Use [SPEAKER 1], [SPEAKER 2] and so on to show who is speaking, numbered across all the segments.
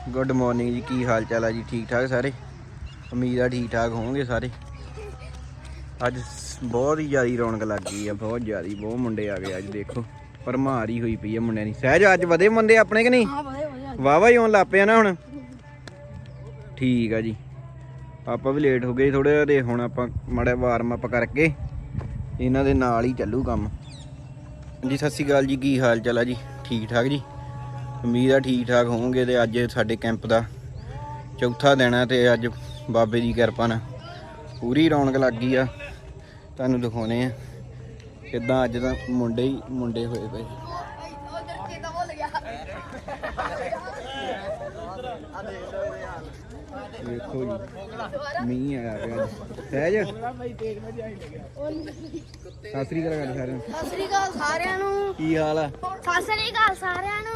[SPEAKER 1] Good morning जी, की हाल चाल है जी? ठीक ठाक सारे? उम्मीद है ठीक ठाक होंगे सारे। अज बहुत ही ज़्यादा रौनक लग गई है, बहुत ज़्यादा, बहुत मुंडे आ गए अज। देखो भरमार ही हुई पई है मुंडिਆਂ ਦੀ। सहज अज वधे मुंडे अपने कि नहीं? वाह वाह ही आउण लग पे ना हुण। ठीक है जी, आप भी लेट हो गए थोड़े जिहा, हुण आपां माड़ा वार्म अप करके इन्हां दे नाल ही चलू काम जी। सत श्री अकाल जी, की हाल चाल है जी? ठीक ठाक जी, उम्मीद है ठीक ठाक होवोगे। तो अज साडे कैंप का चौथा दिन है, तो अज बाबे की किरपा नाल पूरी रौनक लग गई आ। तुहानूं दिखाउने आ किदां अज तां मुंडे ही मुंडे होए पे। देखो जी मींह आया पिया। सहज सत श्री अकाल सारिआं नूं।
[SPEAKER 2] सत श्री अकाल सारिआं नूं।
[SPEAKER 1] की हाल आ?
[SPEAKER 2] सत श्री अकाल सारिआं नूं।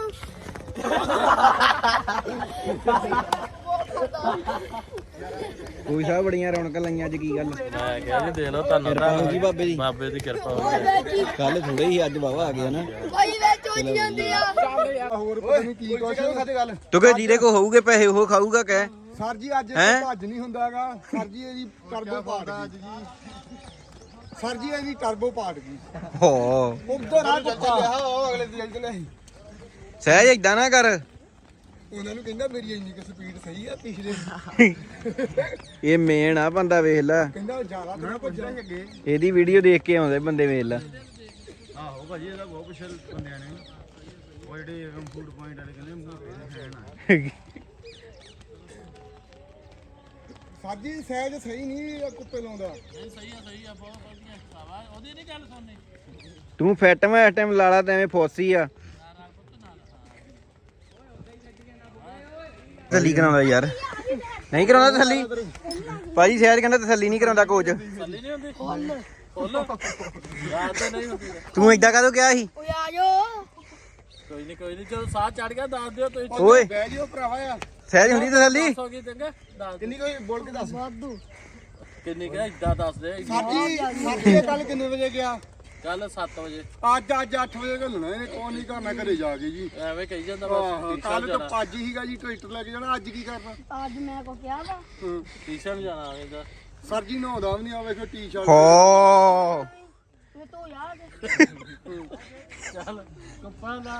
[SPEAKER 1] कोई साहब बड़ियां रौनकां लाइयां अज, की गल?
[SPEAKER 3] मैं क्या जी देख लो किरपा
[SPEAKER 1] हो गई बाबे दी।
[SPEAKER 3] बाबे दी किरपा हो गई।
[SPEAKER 1] कल थोड़े ही अज वावा आ गया ना।
[SPEAKER 2] भाई ਵਿੱਚ ਹੋ ਜਾਂਦੀ ਆ।
[SPEAKER 4] ਹੋਰ ਪਤਾ ਨਹੀਂ ਕੀ ਕੁਛ ਗੱਲ।
[SPEAKER 1] ਤੂੰ ਕਿ ਜਿਹਦੇ ਕੋ ਹੋਊਗੇ ਪੈਸੇ ਉਹ ਖਾਊਗਾ ਕਹਿ।
[SPEAKER 4] ਸਰ ਜੀ ਅੱਜ
[SPEAKER 1] ਹੈਂ?
[SPEAKER 4] ਭੱਜ ਨਹੀਂ ਹੁੰਦਾਗਾ। ਸਰ ਜੀ ਇਹਦੀ ਟਰਬੋ ਪਾਟ ਗਈ। ਸਰ ਜੀ ਇਹਦੀ ਟਰਬੋ ਪਾਟ ਗਈ।
[SPEAKER 1] ਹੋ
[SPEAKER 4] ਉਧਰ ਆ ਚੱਲਿਆ ਉਹ ਅਗਲੇ ਦੀ ਚੱਲਿਆ ਸੀ।
[SPEAKER 1] ਸਹਿਜ ਏਦਾਂ ਨਾ ਕਰ।
[SPEAKER 4] ਉਹਨਾਂ ਨੂੰ ਕਹਿੰਦਾ ਮੇਰੀ ਇੰਨੀ ਕੁ ਸਪੀਡ ਸਹੀ ਆ ਪਿਛਲੇ
[SPEAKER 1] ਇਹ ਮੇਨ ਆ ਬੰਦਾ, ਵੇਖ ਲੈ
[SPEAKER 4] ਕਹਿੰਦਾ ਜ਼ਿਆਦਾ ਥੋੜਾ ਭੱਜਣਾ ਅੱਗੇ।
[SPEAKER 1] ਇਹਦੀ ਵੀਡੀਓ ਦੇਖ ਕੇ ਆਉਂਦੇ ਬੰਦੇ, ਵੇਖ ਲੈ।
[SPEAKER 3] ਆਹੋ ਭਾਜੀ ਇਹਦਾ ਬਹੁਤ ਕੁਛ ਬੰਦਿਆਂ ਨੇ ਉਹ ਜਿਹੜੇ ਫੂਡ ਪੁਆਇੰਟ ਵਾਲੇ ਕਹਿੰਦੇ ਮੂੰਹ ਤੇ ਖਾਣਾ।
[SPEAKER 4] ਸਾਜੀ ਸਹਿਜ ਸਹੀ ਨਹੀਂ ਕੁੱਪੇ ਲਾਉਂਦਾ।
[SPEAKER 3] ਸਹੀ ਆ ਬਹੁਤ ਵਧੀਆ ਸਾਵਾ ਉਹਦੀ ਨਹੀਂ ਗੱਲ ਸੁਣਨੀ।
[SPEAKER 1] ਤੂੰ ਫਿੱਟ ਮੈਂ ਇਸ ਟਾਈਮ ਲਾਲਾ ਤੇ ਐਵੇਂ ਫੋਸੀ ਆ। ਤਸੱਲੀ ਕਰਾਉਂਦਾ ਯਾਰ, ਨਹੀਂ ਕਰਾਉਂਦਾ ਤਸੱਲੀ। ਭਾਜੀ ਸਹਿਜ ਕਹਿੰਦਾ ਤਸੱਲੀ ਨਹੀਂ ਕਰਾਉਂਦਾ ਕੋਚ।
[SPEAKER 3] ਥੱਲੇ ਨਹੀਂ ਹੁੰਦੀ ਫੁੱਲ ਯਾਦ ਤਾਂ ਨਹੀਂ ਹੁੰਦੀ।
[SPEAKER 1] ਤੂੰ ਏਦਾਂ ਕਦੋਂ ਕਿਹਾ ਸੀ?
[SPEAKER 2] ਓਏ ਆ ਜਾਓ।
[SPEAKER 3] ਕੋਈ ਨਹੀਂ ਜਦੋਂ ਸਾਹ ਚੜ ਗਿਆ ਦੱਸ ਦਿਓ ਤੁਸੀਂ।
[SPEAKER 1] ਓਏ
[SPEAKER 4] ਬਹਿ ਜਿਓ ਭਰਾਵਾ ਆ।
[SPEAKER 1] ਸਹਿਜ ਹੁੰਦੀ ਤਸੱਲੀ?
[SPEAKER 3] ਹੋ ਗਈ ਚੰਗਾ ਦੱਸ
[SPEAKER 4] ਕਿੰਨੀ ਕੋਈ ਬੋਲ ਕੇ ਦੱਸ।
[SPEAKER 2] ਵਾਧੂ।
[SPEAKER 3] ਕਿੰਨੀ ਕਿਹਾ ਇਦਾਂ ਦੱਸ ਦੇ।
[SPEAKER 4] ਸਾਜੀ ਕੱਲ ਕਿੰਨੇ ਵਜੇ ਗਿਆ?
[SPEAKER 3] ਕੱਲ 7 ਵਜੇ।
[SPEAKER 4] ਅੱਜ 8 ਵਜੇ ਘੱਲਣਾ ਇਹਨੇ। ਕੌਣ ਨਹੀਂ ਕਰਨਾ ਘਰੇ ਜਾ ਕੇ ਜੀ।
[SPEAKER 3] ਐਵੇਂ ਕਹੀ ਜਾਂਦਾ
[SPEAKER 4] ਆਹੋ
[SPEAKER 3] ਬਸ।
[SPEAKER 4] ਕੱਲ ਤਾਂ ਭੱਜ ਹੀਗਾ ਜੀ, ਟਰੈਕਟਰ ਲੈ ਕੇ ਜਾਣਾ। ਅੱਜ ਕੀ ਕਰਨਾ?
[SPEAKER 2] ਅੱਜ ਮੈਂ ਕੋ ਕਿਹਾ ਵਾ।
[SPEAKER 3] ਟੀਸ਼ਨ ਜਾਣਾ ਇਹਦਾ।
[SPEAKER 4] ਸਰ ਜੀ ਨਹਾਉਂਦਾ ਵੀ ਨਹੀਂ ਆ। ਵੇਖੋ ਟੀ-ਸ਼ਰਟ।
[SPEAKER 1] ਹੋ
[SPEAKER 2] ਇਹ ਤੋਂ ਯਾਦ
[SPEAKER 3] ਚੱਲ ਕੱਪਾਂ ਦਾ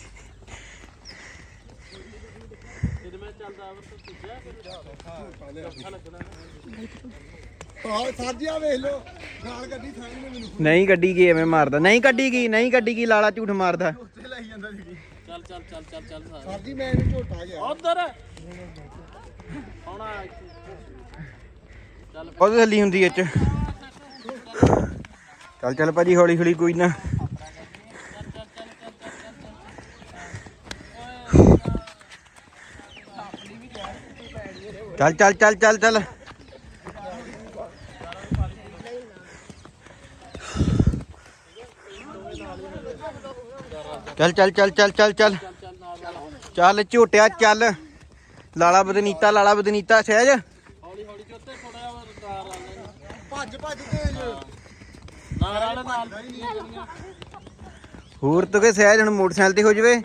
[SPEAKER 3] ਇਹਦੇ ਮੈਂ ਚੱਲਦਾ ਆਵਰ ਤੋਂ ਪੁੱਛਿਆ ਲੱਗਣਾ।
[SPEAKER 4] ਆਹ ਸਰ ਜੀ ਆ ਵੇਖ ਲੋ ਨਾਲ ਗੱਡੀ ਸਾਹਮਣੇ ਮੈਨੂੰ
[SPEAKER 1] ਨਹੀਂ ਕੱਢੀ ਗਈ, ਐਵੇਂ ਮਾਰਦਾ। ਨਹੀਂ ਕੱਢੀ ਗਈ, ਨਹੀਂ ਕੱਢੀ ਗਈ, ਲਾਲਾ ਝੂਠ ਮਾਰਦਾ।
[SPEAKER 4] ਉੱਤੇ ਲਈ ਜਾਂਦਾ ਸੀ।
[SPEAKER 3] ਚੱਲ
[SPEAKER 4] ਸਰ ਜੀ ਮੈਂ ਇਹਨੂੰ ਝੋਟਾ ਗਿਆ।
[SPEAKER 3] ਉਧਰ ਆਉਣਾ ਚੱਲ।
[SPEAKER 1] ਉਹ ਤਸੱਲੀ ਹੁੰਦੀ ਇਹ ਚ। ਚੱਲ ਭਾਜੀ ਹੌਲੀ ਹੌਲੀ, ਕੋਈ ਨਾ। ਚੱਲ ਚੱਲ ਚੱਲ ਚੱਲ ਚੱਲ ਚੱਲ ਚੱਲ ਚੱਲ ਚੱਲ ਚੱਲ ਚੱਲ ਚੱਲ ਝੋਟਿਆ ਚੱਲ। ਲਾਲਾ ਬਦਨੀਤਾ, ਲਾਲਾ ਬਦਨੀਤਾ। ਸਹਿਜ
[SPEAKER 3] ਹੌਲੀ ਹੌਲੀ ਕਿ ਉੱਤੇ ਥੋੜਾ ਜਿਹਾ ਕਾਰ ਆ ਜਾਂਦਾ।
[SPEAKER 4] ਭੱਜ ਤੇਜ
[SPEAKER 3] ਨਾਲ
[SPEAKER 1] ਹੋਰ ਤੂੰ ਕਿ ਸਹਿਜ ਹੁਣ ਮੋਟਰਸਾਈਕਲ ਤੇ ਹੋ ਜਾਵੇ।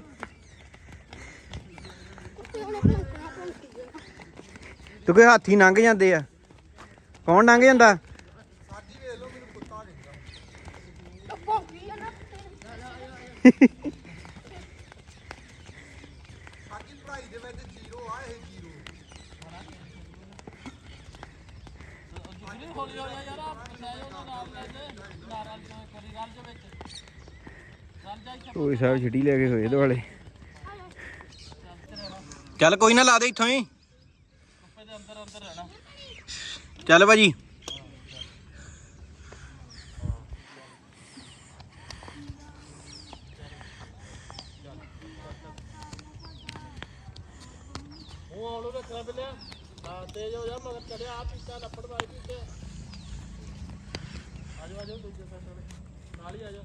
[SPEAKER 1] ਤੂੰ ਕਿ ਹਾਥੀ ਲੰਘ ਜਾਂਦੇ ਆ। ਕੌਣ ਲੰਘ ਜਾਂਦਾ?
[SPEAKER 4] ਸਰ ਜੀ ਵੇਖ ਲੋ ਮੈਨੂੰ ਕੁੱਤਾ ਕਹਿੰਦਾ।
[SPEAKER 2] ਭੌਂਕੀ ਆ ਨਾ।
[SPEAKER 4] ਸਰ ਜੀ ਪੜਾਈ ਦੇ ਵਿੱਚ ਜ਼ੀਰੋ ਆ। ਇਹ ਜ਼ੀਰੋ
[SPEAKER 3] ਹੌਲੀ ਹੌਲੀ ਯਾਰ ਨਾਲ ਲੈ ਦੇ ਨਾਲ ਕਰੀ ਗੱਲ ਦੇ ਵਿੱਚ ਗੱਲ ਜਾ।
[SPEAKER 1] ਕੋਈ ਸਾਹਿਬ ਛਿੱਟੀ ਲੈ ਕੇ ਹੋਏ ਦੁਆਲੇ। ਚੱਲ ਕੋਈ ਨਾ, ਲਾ ਦੇ ਇੱਥੋਂ ਹੀ।
[SPEAKER 3] ਕੁੱਪੇ ਦੇ ਅੰਦਰ ਰਹਿਣਾ।
[SPEAKER 1] ਚੱਲ ਭਾਜੀ।
[SPEAKER 3] ਉਹ ਆਲੂ ਰੱਖਣਾ ਬਿਲਿਆ। ਹਾਂ ਤੇਜ਼ ਹੋ ਜਾ ਮਗਰ ਚੜਿਆ ਆ ਪੀਤਾ ਲੱਪੜ ਵਾਲੀ ਪੀਤੇ। ਆਜੋ ਦੂਜੇ ਸਾਈਡ ਨਾਲ ਹੀ ਆਜੋ।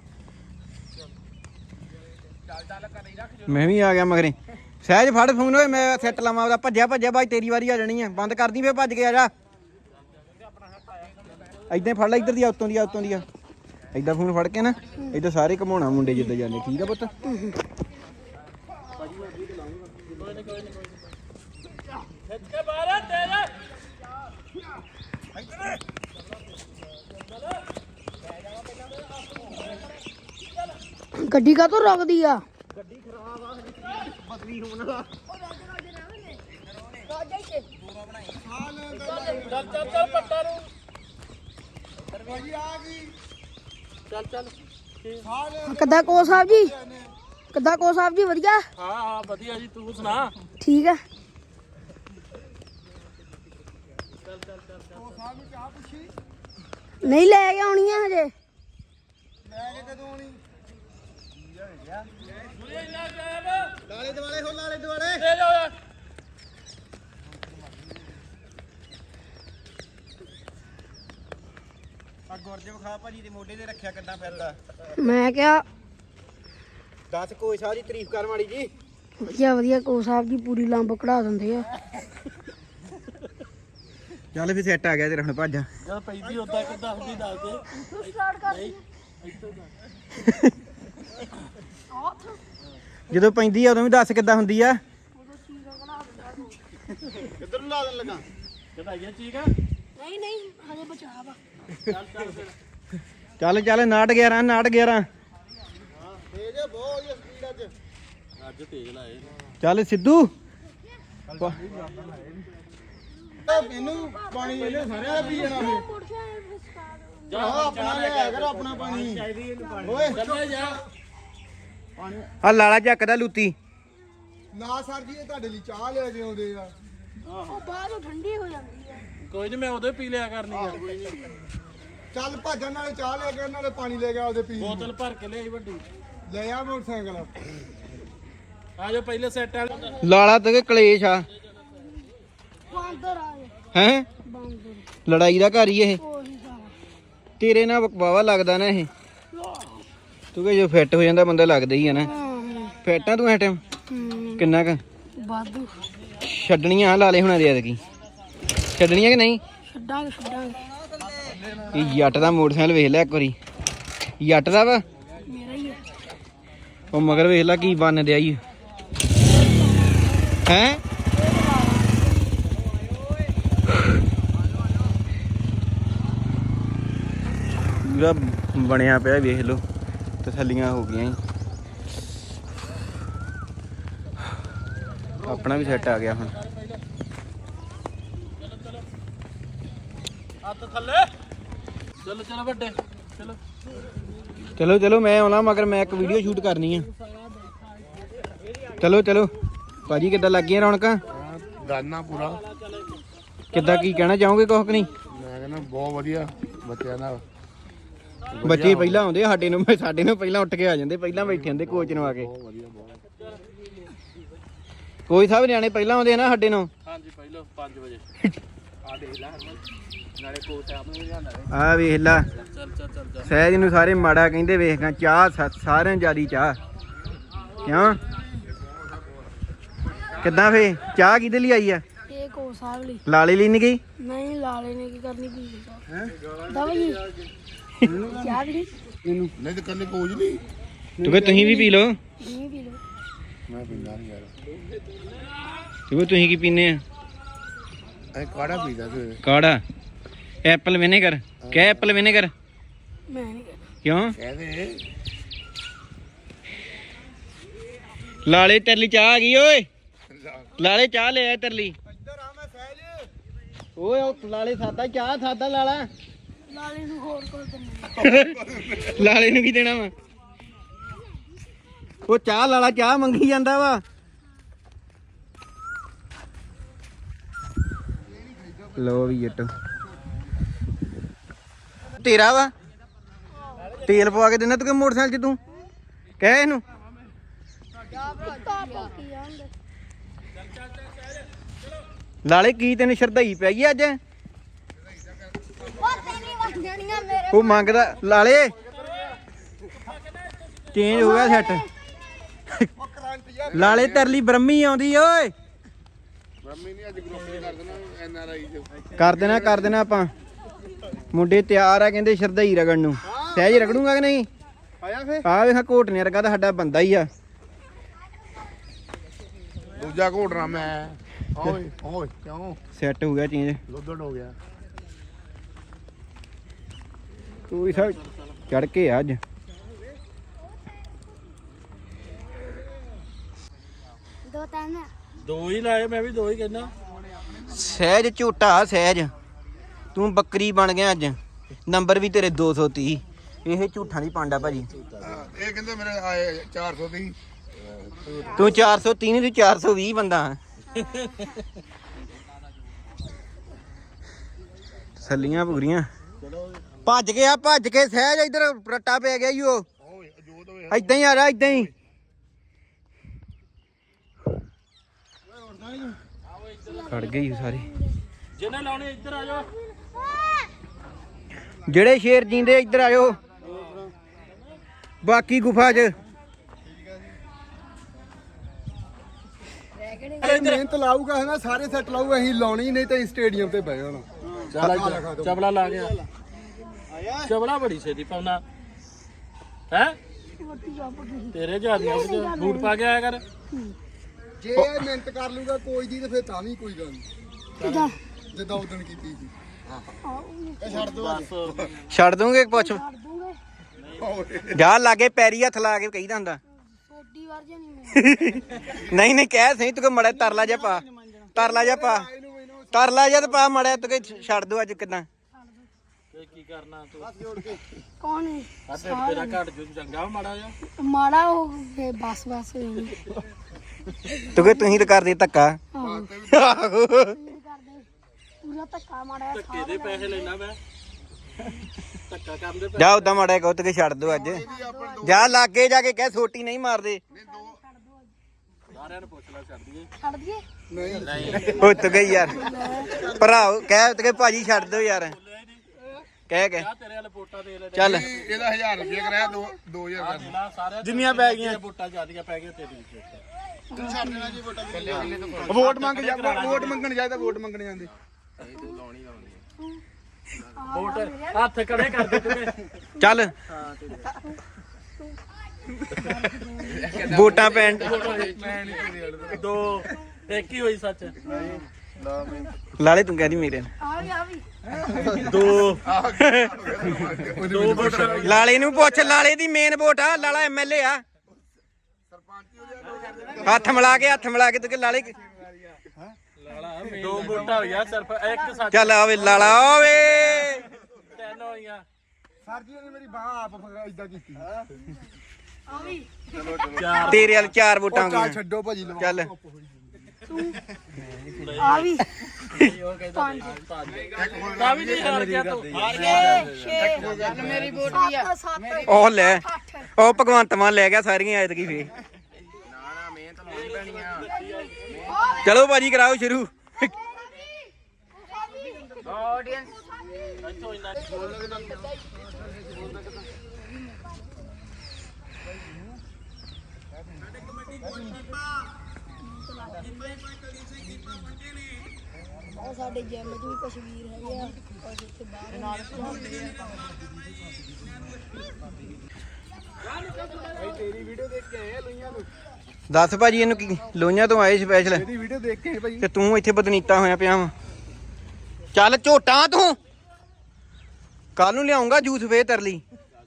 [SPEAKER 3] ਚੱਲ ਕਰ ਨਹੀਂ ਰੱਖ।
[SPEAKER 1] ਮੈਂ ਵੀ ਆ ਗਿਆ ਮਗਰੇ। ਸਹਿਜ ਫੜ ਫੋਨ। ਓਏ ਮੈਂ ਸੈੱਟ ਲਾਵਾਂ ਉਹਦਾ। ਭੱਜਿਆ ਬਾਈ, ਤੇਰੀ ਵਾਰੀ ਆ ਜਾਣੀ ਆ। ਬੰਦ ਕਰਦੀ ਫੇਰ, ਭੱਜ ਕੇ ਆ ਜਾ। ਏਦਾਂ ਫੜ ਲੈ, ਇੱਧਰ ਦੀ ਆ, ਉੱਤੋਂ ਦੀ ਆ, ਉੱਤੋਂ ਦੀ ਆ। ਏਦਾਂ ਫੋਨ ਫੜ ਕੇ ਨਾ ਏਦਾਂ ਸਾਰੇ ਘਮਾਉਣਾ ਮੁੰਡੇ ਜਿੱਦਾਂ ਜਾਂਦੇ। ਠੀਕ ਆ ਪੁੱਤ?
[SPEAKER 2] ਗੱਡੀ ਕਾ ਤੋਂ ਰੁਕਦੀ ਆ
[SPEAKER 4] ਬਦਲੀ ਹੋਣ ਵਾਲਾ
[SPEAKER 3] ਚੱਲ ਪੱਟਾ ਨੂੰ
[SPEAKER 4] ਭਾਜੀ ਆ ਗਈ
[SPEAKER 3] ਚੱਲ
[SPEAKER 2] ਕਿੱਦਾਂ ਕੋ ਸਾਹਿਬ ਜੀ ਕਿੱਦਾਂ ਕੋ ਸਾਹਿਬ ਜੀ ਵਧੀਆ
[SPEAKER 3] ਹਾਂ ਵਧੀਆ ਜੀ ਤੂੰ ਸੁਣਾ
[SPEAKER 2] ਠੀਕ ਆ
[SPEAKER 4] ਉਹ ਸਾਹਿਬ ਨੂੰ ਚਾਹ ਪੁੱਛੀ
[SPEAKER 2] ਨਹੀਂ ਲੈ ਕੇ ਆਉਣੀ ਆ ਹਜੇ
[SPEAKER 4] ਲੈ ਕੇ ਕਦੋਂ ਆਉਣੀ ਲਾਲੇ ਦੁਆਲੇ ਹੋ ਲਾਲੇ ਦੁਆਲੇ
[SPEAKER 3] ਲੈ ਜਾ
[SPEAKER 1] ਆ ਗੁਰਜੋ ਖਾ ਭਾਜੀ ਦੇ ਮੋਢੇ ਤੇ ਰੱਖਿਆ ਕਿੱਦਾਂ ਫਿਰਦਾ
[SPEAKER 2] ਮੈਂ ਕਿਹਾ
[SPEAKER 1] ਦੱਸ ਕੋਈ ਸਾਹ ਦੀ ਤਾਰੀਫ ਕਰ ਮਾੜੀ ਜੀ
[SPEAKER 2] ਵਧੀਆ ਵਧੀਆ ਕੋ ਸਾਹਿਬ ਜੀ ਪੂਰੀ ਲੰਬ ਕਢਾ ਦਿੰਦੇ ਆ
[SPEAKER 1] ਚੱਲ ਫਿਰ ਸੈੱਟ ਆ ਗਿਆ ਤੇਰਾ ਹੁਣ ਭੱਜ
[SPEAKER 3] ਜਦ ਪੈਂਦੀ ਉਦਾਂ ਕਿੱਦਾਂ ਹੁੰਦੀ ਦੱਸ ਦੇ
[SPEAKER 2] ਤੂੰ ਸਟਾਰਟ ਕਰ
[SPEAKER 1] ਜਦੋਂ ਪੈਂਦੀ ਆ ਉਦੋਂ ਵੀ ਦੱਸ ਕਿੱਦਾਂ ਹੁੰਦੀ ਆ
[SPEAKER 4] ਕਿੱਧਰ ਨੂੰ ਲਾ ਦੇਣ ਲੱਗਾ
[SPEAKER 3] ਕਢਾਈਆਂ ਚੀਕ ਆ
[SPEAKER 2] ਨਹੀਂ ਨਹੀਂ ਹਜੇ ਬਚਾ ਵਾ
[SPEAKER 3] ਚੱਲ ਫਿਰ
[SPEAKER 1] ਚੱਲ 911 911
[SPEAKER 4] ਤੇਜ ਬਹੁਤ ਵਧੀਆ ਸਪੀਡ ਅੱਜ
[SPEAKER 3] ਅੱਜ ਤੇਜ਼ ਲਾਏ
[SPEAKER 1] ਚੱਲ ਸਿੱਧੂ
[SPEAKER 4] ਇਹਨੂੰ ਪਾਣੀ ਇਹਨੇ ਸਾਰਿਆਂ ਦਾ ਪੀ ਜਾਣਾ ਇਹ
[SPEAKER 3] ਜਾ
[SPEAKER 4] ਆਪਣਾ ਲਿਆ ਕਰ ਆਪਣਾ ਪਾਣੀ ਓਏ
[SPEAKER 3] ਚੱਲੇ ਜਾ
[SPEAKER 1] ਆ ਲਾਲਾ ਚੱਕਦਾ ਲੂਤੀ
[SPEAKER 4] ਨਾ ਸਰ ਜੀ ਇਹ ਤੁਹਾਡੇ ਲਈ ਚਾਹ ਲੈ ਕੇ ਆਉਂਦੇ ਆ
[SPEAKER 2] ਉਹ ਬਾਹਰੋਂ ਠੰਡੀ ਹੋ ਜਾਂਦੀ ਆ
[SPEAKER 3] ਕੋਈ ਨਹੀਂ ਮੈਂ ਉਦੋਂ ਪੀ ਲਿਆ ਕਰਨੀ ਆ
[SPEAKER 4] ਚੱਲ ਭਾਜਣ ਨਾਲੇ ਚਾਹ ਲੈ ਕੇ ਨਾਲੇ ਪਾਣੀ ਲੈ ਕੇ ਆਉਦੇ ਪੀ
[SPEAKER 3] ਬੋਤਲ ਭਰ ਕੇ ਲਿਆਈ ਵੱਡੀ
[SPEAKER 4] ਲੈ ਆ ਮੋਟਰਸਾਈਕਲ
[SPEAKER 3] ਆ ਜਾ ਪਹਿਲੇ ਸੈੱਟ ਆ
[SPEAKER 1] ਲਾਲਾ ਤੇ ਕਲੇਸ਼ ਆ
[SPEAKER 2] ਬਾਂਦਰ ਆ ਗਏ
[SPEAKER 1] ਹੈ
[SPEAKER 2] ਬਾਂਦਰ
[SPEAKER 1] ਲੜਾਈ ਦਾ ਘਰ ਹੀ ਇਹ
[SPEAKER 2] ਉਹੀ ਸਾਰਾ
[SPEAKER 1] ਤੇਰੇ ਨਾਲ ਵਾਵਾ ਲੱਗਦਾ ਨਾ ਇਹ ਤੂੰ ਕਿ ਜੋ ਫਿੱਟ ਹੋ ਜਾਂਦਾ ਬੰਦਾ ਲੱਗਦਾ ਹੀ ਆ ਨਾ
[SPEAKER 2] ਹਾਂ
[SPEAKER 1] ਫਿੱਟ ਆ ਤੂੰ ਐ ਟਾਈਮ ਕਿੰਨਾ ਕ
[SPEAKER 2] ਵਾਧੂ
[SPEAKER 1] ਛੱਡਣੀਆਂ ਲਾਲੇ ਹੁਣਾਂ ਦੇ ਐਤਕੀ ਛੱਡਣੀਆਂ ਕਿ ਨਹੀਂ
[SPEAKER 2] ਛੱਡਾਂਗੇ
[SPEAKER 1] ਇਹ ਜੱਟ ਦਾ ਮੋਟਰਸਾਈਕਲ ਵੇਖ ਲੈ ਇੱਕ ਵਾਰੀ ਜੱਟ ਦਾ ਵਾ
[SPEAKER 2] ਮੇਰਾ ਹੀ ਆ
[SPEAKER 1] ਉਹ ਮਗਰ ਵੇਖ ਲੈ ਕੀ ਬਣ ਦਿਆ ਈ ਹੈ ਪੂਰਾ ਬਣਿਆ ਪਿਆ ਵੇਖ ਲਓ ਤਸੱਲੀਆਂ ਹੋ ਗਈਆਂ ਈ। ਆਪਣਾ ਵੀ ਸੈੱਟ ਆ ਗਿਆ ਹੁਣ
[SPEAKER 3] ਹੱਥ ਥੱਲੇ ਚਲੋ ਵੱਡੇ ਚਲੋ
[SPEAKER 1] ਚਲੋ ਚਲੋ ਮੈਂ ਆਉਣਾ ਮਗਰ ਮੈਂ ਇੱਕ ਵੀਡੀਓ ਸ਼ੂਟ ਕਰਨੀ ਆ ਚਲੋ ਚਲੋ ਭਾਜੀ ਕਿੱਦਾਂ ਲੱਗੀਆਂ ਰੌਣਕਾਂ
[SPEAKER 4] ਗਾਨਾ ਪੂਰਾ
[SPEAKER 1] ਕਿੱਦਾਂ ਕੀ ਕਹਿਣਾ ਚਾਹੋਗੇ ਕੁਛ ਕਿ ਨਹੀਂ
[SPEAKER 4] ਮੈਂ ਕਹਿੰਦਾ ਬਹੁਤ ਵਧੀਆ ਬੱਚਿਆਂ ਨਾਲ
[SPEAKER 1] ਬੱਚੇ ਪਹਿਲਾਂ ਆਉਂਦੇ ਆ, ਸਾਡੇ ਨੂੰ ਪਹਿਲਾਂ ਉੱਠ ਕੇ ਆ ਜਾਂਦੇ ਪਹਿਲਾਂ ਬੈਠੇ ਹੁੰਦੇ ਕੋਚ ਨੂੰ ਆ ਕੇ ਕੋਈ ਸਾਹਿਬ ਨਿਆਣੇ ਪਹਿਲਾਂ ਆਉਂਦੇ ਆ ਨਾ ਸਾਡੇ ਨੂੰ
[SPEAKER 3] ਹਾਂਜੀ ਪਹਿਲਾਂ 5 ਵਜੇ ਆ ਦੇਖ ਲੈ ਨਾਲੇ ਕੋਚ ਆਪ ਨੂੰ ਜਾਂਦਾ
[SPEAKER 1] ਆ ਵੇਖ ਲਾ
[SPEAKER 3] ਚੱਲ
[SPEAKER 1] ਸਹਿਜ ਨੂੰ ਸਾਰੇ ਮਾੜਾ ਕਹਿੰਦੇ ਵੇਖਾਂ ਚਾਹ ਸਾਰਿਆਂ ਜਿਆਦੀ ਚਾਹ ਕਿਉਂ ਕਿੱਦਾਂ ਫੇ ਚਾਹ ਕਿਹਦੇ ਲਈ ਆਈ ਆ
[SPEAKER 2] ਇਹ ਕੋ ਸਾਹਿਬ ਲਈ
[SPEAKER 1] ਲਾਲੇ ਲਈ ਨਹੀਂ ਗਈ
[SPEAKER 2] ਨਹੀਂ ਲਾਲੇ ਨੇ ਕੀ ਕਰਨੀ ਪੀ ਹੈ ਦਵਾਈ ਚਾਹ ਵੀ
[SPEAKER 4] ਇਹਨੂੰ ਨਹੀਂ ਤੇ ਕੱਲੇ ਕੋਚ ਨਹੀਂ
[SPEAKER 1] ਤੂੰ ਕਿ ਤੁਸੀਂ ਵੀ ਪੀ ਲਓ
[SPEAKER 2] ਨਹੀਂ ਪੀ ਲੋ
[SPEAKER 4] ਮੈਂ ਪੀਂਦਾ ਨਹੀਂ ਯਾਰ
[SPEAKER 1] ਤੂੰ ਤੁਸੀਂ ਕੀ ਪੀਨੇ ਆ
[SPEAKER 4] ਇਹ ਕਾੜਾ ਪੀਦਾ ਤੇ
[SPEAKER 1] ਕਾੜਾ ਐਪਲ ਵਿਨੇਗਰ ਕਹਿ ਐਪਲ ਵਿਨੇਗਰ
[SPEAKER 2] ਮੈਂ ਨਹੀਂ ਕਰਨਾ
[SPEAKER 1] ਕਿਉਂ
[SPEAKER 4] ਕਹਦੇ
[SPEAKER 1] ਲਾਲੇ ਤੇਰੇ ਲਈ ਚਾਹ ਆ ਗਈ ਓਏ ਲਾਲੇ ਚਾਹ ਲੈ ਆ ਤੇਰੇ ਲਈ
[SPEAKER 4] ਇੱਧਰ ਆ ਮੈਂ ਸਹਿਜ
[SPEAKER 1] ਓਏ ਉਹ ਲਾਲੇ ਸਾਦਾ ਚਾਹ ਸਾਦਾ ਲਾਲਾ
[SPEAKER 2] ਲਾਲੇ ਨੂੰ ਹੋਰ ਕੋਲ ਦਿੰਦੇ
[SPEAKER 1] ਲਾਲੇ ਨੂੰ ਕੀ ਦੇਣਾ ਵਾ ਉਹ ਚਾਹ ਲਾਲਾ ਚਾਹ ਮੰਗੀ ਜਾਂਦਾ ਵਾ ਲੋ ਵੀ ਜੱਟੋ ਤੇਰਾ ਵਾ ਤੇਲ ਪਵਾ ਕੇ ਦਿੰਦਾ ਤੂੰ ਕਿ ਮੋਟਰਸਾਈਕਲ 'ਚ ਤੂੰ ਕਹਿ ਇਹਨੂੰ ਲਾਲੇ ਕੀ ਤੈਨੂੰ ਸ਼ਰਧਾਈ ਪੈ ਗਈ ਅੱਜ ਉਹ ਮੰਗਦਾ ਲਾਲੇ ਚੇਂਜ ਹੋ ਗਿਆ ਸੈੱਟ ਲਾਲੇ ਤੇਰੇ ਲਈ ਬ੍ਰਹਮੀ ਆਉਂਦੀ ਓਏ
[SPEAKER 4] ਮੰਮੀ ਨਹੀਂ ਅੱਜ ਗਰੁੱਪ ਕਰ ਦੇਣਾ ਐਨ ਆਰ ਆਈ
[SPEAKER 1] ਕਰ ਦੇਣਾ ਆਪਾਂ ਮੁੰਡੇ ਤਿਆਰ ਆ ਕਹਿੰਦੇ ਸ਼ਰਧਾਈ ਰਗੜਨ ਨੂੰ ਸਹਿਜ ਰਗੜੂਗਾ ਕਿ ਨਹੀਂ
[SPEAKER 4] ਆਇਆ ਫੇ
[SPEAKER 1] ਆ ਵੇਖਾ ਘੋਟਨੇ ਵਰਗਾ ਤਾਂ ਸਾਡਾ ਬੰਦਾ ਹੀ ਆ
[SPEAKER 4] ਦੂਜਾ ਘੋੜਨਾ ਮੈਂ ਓਏ ਓਏ ਕਿਉਂ
[SPEAKER 1] ਸੈੱਟ ਹੋ ਗਿਆ ਚੇਂਜ।
[SPEAKER 4] ਲੋਦੜ ਹੋ ਗਿਆ
[SPEAKER 1] ਤੂੰ ਵੀ ਸਭ ਚੜ ਕੇ ਆ ਅੱਜ।
[SPEAKER 3] ਦੋ ਹੀ ਲਾਏ, ਮੈਂ ਵੀ ਦੋ ਹੀ ਕਹਿੰਦਾ।
[SPEAKER 1] ਸਹਿਜ ਝੂਟਾ ਸਹਿਜ, ਤੂੰ ਬੱਕਰੀ ਬਣ ਗਿਆ ਅੱਜ। ਨੰਬਰ ਵੀ ਤੇਰੇ 230। ਇਹ ਝੂਠਾਂ ਦੀ ਪਾਂਡਾ ਭਾਜੀ।
[SPEAKER 4] ਇਹ ਕਹਿੰਦੇ ਮੇਰੇ ਆਏ 400 ਦੀ।
[SPEAKER 1] ਤੂੰ 430 ਨਹੀਂ, ਤੂੰ 420 ਬੰਦਾ। ਸੱਲੀਆਂ ਪੂਰੀਆਂ ਭੱਜ ਗਿਆ, ਭੱਜ ਕੇ ਸਹਿਜ ਇੱਧਰ ਰੱਟਾ ਪੈ ਗਿਆ ਈ ਉਹ। ਏਦਾਂ ਹੀ ਆ ਰਿਹਾ, ਏਦਾਂ ਹੀ। ਖੜ ਗਈ ਸਾਰੇ।
[SPEAKER 3] ਜਿਹਨੇ ਲਾਉਣੇ ਇੱਧਰ ਆ ਜਾਓ।
[SPEAKER 1] ਜਿਹੜੇ ਸ਼ੇਰ ਜੀਂਦੇ ਇੱਧਰ ਆਇਓ, ਬਾਕੀ ਗੁਫਾ 'ਚ।
[SPEAKER 4] ਮਿਹਨਤ ਲਾਊਗਾ ਹੈ ਨਾ, ਸਾਰੇ ਸੈੱਟ ਲਾਊਗਾ। ਅਸੀਂ ਲਾਉਣੀ ਨਹੀਂ ਤੇ ਸਟੇਡੀਅਮ ਤੇ ਬਹਿ ਜਾਣਾ।
[SPEAKER 3] ਚਬਲਾ ਲਾ ਗਿਆ। ਚਬਲਾ ਬੜੀ ਛੇਤੀ ਪਾਉਣਾ ਹੈ। ਤੇਰੇ ਜਿਆਦੀਆਂ ਬੂਟ ਪਾ ਕੇ ਆਇਆ ਕਰ।
[SPEAKER 4] ਜੇ ਇਹ ਮਿਹਨਤ ਕਰ ਲੂਗਾ ਕੋਈ ਦੀ ਤੇ ਫਿਰ ਤਾਂ ਵੀ ਕੋਈ ਗੱਲ ਨਹੀਂ। ਜਿੱਦਾਂ ਉਦਣ ਕੀਤੀ ਸੀ। ਛੱਡ ਦੋ
[SPEAKER 1] ਛੱਡ ਦੂੰਗੇ ਪੁੱਛ। ਜਾ ਲਾਗੇ ਪੈਰੀ ਹੱਥ ਲਾ ਕੇ ਕਹੀਦਾ ਹੁੰਦਾ।
[SPEAKER 2] ਛੋਟੀ ਵਾਰ ਜਾਂ ਨਹੀਂ
[SPEAKER 1] ਨਹੀਂ ਨਹੀਂ ਕਹਿ ਸਹੀ, ਤੂੰ ਮੜਾ ਤਰਲਾ ਜਾ ਪਾ, ਤਰਲਾ ਜਾ ਪਾ, ਤਰਲਾ ਜਾ ਤੇ ਪਾ ਮੜਾ। ਤੂੰ ਛੱਡ ਦੋ ਅੱਜ ਕਿਦਾਂ।
[SPEAKER 3] ਕੀ ਕਰਨਾ ਤੂੰ?
[SPEAKER 2] ਕੌਣ ਹੈ?
[SPEAKER 3] ਤੇਰਾ ਘੱਟ ਜੂ ਚੰਗਾ ਮਾੜਾ ਜਾ।
[SPEAKER 2] ਮਾੜਾ ਹੋ ਫੇ ਬਸ ਹੋਈ।
[SPEAKER 1] ਤੂੰ ਕਿ ਤੁਸੀਂ ਤਾਂ ਕਰਦੇ ਧੱਕਾ।
[SPEAKER 2] ਆਹੋ ਪੂਰਾ ਧੱਕਾ ਮਾੜਾ
[SPEAKER 3] ਧੱਕੇ ਦੇ ਪੈਸੇ ਲੈਣਾ ਮੈਂ। ਧੱਕਾ ਕਰਨ ਦੇ
[SPEAKER 1] ਜਾ ਉਦਾਂ ਮਾੜਾ ਕਹੋ ਤੇ ਛੱਡ ਦੋ ਅੱਜ। ਜਾ ਲਾਗੇ ਜਾ ਕੇ ਕਹਿ ਛੋਟੀ ਨਹੀਂ ਮਾਰਦੇ।
[SPEAKER 3] ਸਾਰਿਆਂ ਨੂੰ ਪੁੱਛ ਲੈ, ਛੱਡ ਦਈਏ।
[SPEAKER 2] ਛੱਡ ਦਈਏ?
[SPEAKER 3] ਨਹੀਂ
[SPEAKER 1] ਉੱਤ ਗਈ ਯਾਰ ਭਰਾਓ, ਕਹਿ ਤੇ ਭਾਜੀ ਛੱਡ ਦੋ ਯਾਰ। ਕਹਿ ਕੇ
[SPEAKER 3] ਤੇਰੇ ਵਾਲੇ ਵੋਟਾਂ ਦੇ ਲੈ।
[SPEAKER 1] ਚੱਲ
[SPEAKER 4] ਇਹਦਾ 1000 ਰੁਪਏ ਕਰਾਇਆ 2000
[SPEAKER 3] ਜ਼ਿਲ੍ਹਾ ਸਾਰਿਆਂ
[SPEAKER 1] ਜਿੰਨੀਆਂ ਪੈ ਗਈਆਂ
[SPEAKER 3] ਵੋਟਾਂ ਜ਼ਿਆਦੀਆਂ ਪੈ ਗਈਆਂ ਤੇਰੀ।
[SPEAKER 4] ਛੱਡ ਦੇਣਾ ਜੀ ਵੋਟਾਂ। ਵੋਟ ਮੰਗ ਜਾ, ਵੋਟ ਮੰਗਣ ਜਾਇਦਾ, ਵੋਟ ਮੰਗਣ ਜਾਂਦੇ।
[SPEAKER 3] ਵੋਟ ਹੱਥ ਖੜੇ ਕਰ ਦੇ ਤੂੰ।
[SPEAKER 1] ਚੱਲ ਵੋਟਾਂ ਪੈਣ
[SPEAKER 3] ਦੋ ਇੱਕ ਹੀ ਹੋਈ ਸੱਚ।
[SPEAKER 1] ਲਾਲੇ ਤੂੰ ਕਹਿੰਦੀ ਮੇਰੇ
[SPEAKER 2] ਆ ਵੀ
[SPEAKER 3] ਦੋ ਵੋਟ।
[SPEAKER 1] ਲਾਲੇ ਨੂੰ ਪੁੱਛ, ਲਾਲੇ ਦੀ ਮੇਨ ਵੋਟ ਆ। ਲਾਲਾ ਐਮਐਲਏ ਆ। ਹੱਥ ਮਿਲਾ ਕੇ ਤੂੰ ਕਿ ਲਾਲੇ।
[SPEAKER 3] ਦੋ ਵੋਟਾਂ ਹੋਈਆਂ ਸਿਰਫ, ਇੱਕ ਸੱਚ।
[SPEAKER 1] ਚੱਲ ਆਵੇ ਲਾਲਾ ਓਏ।
[SPEAKER 3] ਤਿੰਨ ਹੋਈਆਂ।
[SPEAKER 4] ਸਰ ਜੀ ਨੇ ਮੇਰੀ ਬਾਹ ਆਪ ਇਦਾਂ ਕੀਤੀ।
[SPEAKER 2] ਆ ਵੀ
[SPEAKER 3] ਚਾਰ।
[SPEAKER 1] ਤੇਰੇ ਵਾਲ 4 ਵੋਟਾਂ ਹੋ
[SPEAKER 4] ਚੱਲ
[SPEAKER 1] ਗਈਆਂ।
[SPEAKER 4] ਛੱਡੋ ਭਾਜੀ ਲਵਾ।
[SPEAKER 1] ਚੱਲ
[SPEAKER 2] ਆ ਵੀ
[SPEAKER 3] ਤਾਂ ਵੀ ਨਹੀਂ ਹਾਰ ਗਿਆ ਤੂੰ। ਹਾਰ ਗਿਆ।
[SPEAKER 2] 6 ਮੇਰੀ ਵੋਟ ਵੀ ਆ। 7
[SPEAKER 1] ਉਹ ਲੈ, ਉਹ ਭਗਵੰਤ ਮਾਨ ਲੈ ਗਿਆ ਸਾਰੀਆਂ ਐਤਕੀ ਫੇ। ਚਲੋ ਭਾਜੀ ਕਰਾਓ ਸ਼ੁਰੂ।
[SPEAKER 2] ਉਹ ਸਾਡੇ ਜਿਮ 'ਚ ਵੀ ਕੁਛ ਵੀਰ ਹੈਗੇ ਆ, ਕੁਛ ਇੱਥੇ ਬਾਹਰ ਨਾਲ ਹੁੰਦੇ ਆ।
[SPEAKER 4] ਤੇਰੀ ਵੀਡੀਓ ਦੇਖ ਕੇ ਆਏ ਲੋਈਆਂ ਤੋਂ।
[SPEAKER 1] ਦੱਸ ਭਾਜੀ ਇਹਨੂੰ ਕੀ ਲੋਈਆਂ ਤੋਂ ਆਏ ਸਪੈਸ਼ਲ
[SPEAKER 4] ਇਹਦੀ ਵੀਡੀਓ ਦੇਖ ਕੇ ਆਏ ਭਾਜੀ।
[SPEAKER 1] ਤੇ ਤੂੰ ਇੱਥੇ ਬਦਨੀਤਾ ਹੋਇਆ ਪਿਆ ਵਾ। ਚੱਲ ਝੋਟਾਂ ਤੂੰ, ਕੱਲ ਨੂੰ ਲਿਆਉਂਗਾ ਜੂਸ ਫੇਰ ਤੇਰੇ ਲਈ।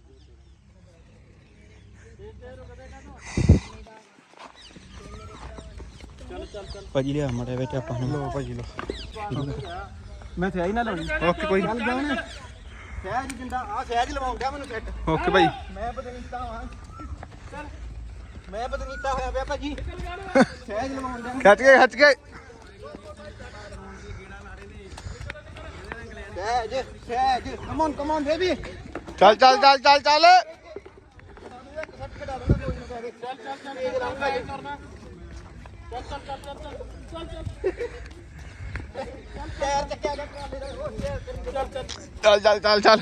[SPEAKER 1] ਭਾਜੀ ਲਿਆ ਮੜੇ ਵਿੱਚ ਆਪਾਂ ਨੂੰ। ਲੋ ਭਾਜੀ ਲੋ, ਮੈਂ ਸਹਿਜ ਨਾ ਲਾਉਣੀ। ਓਕੇ ਕੋਈ ਗੱਲ ਜਾਣ। ਸਹਿਜ ਜਿੰਦਾ ਆ, ਸਹਿਜ ਲਵਾਉਂਦਾ ਮੈਨੂੰ ਸੈੱਟ। ਓਕੇ ਭਾਈ। ਮੈਂ ਬਦਨੀਤਾ ਹਾਂ, ਮੈਂ ਬਦਨੀਤਾ ਹੋਇਆ ਪਿਆ ਭਾਜੀ। ਸਹਿਜ ਲਵਾਉਂਦਾ। ਖੱਚ ਕੇ ਸਹਿਜ ਕਮ ਔਨ ਬੇਬੀ। ਚੱਲ ਚੱਲ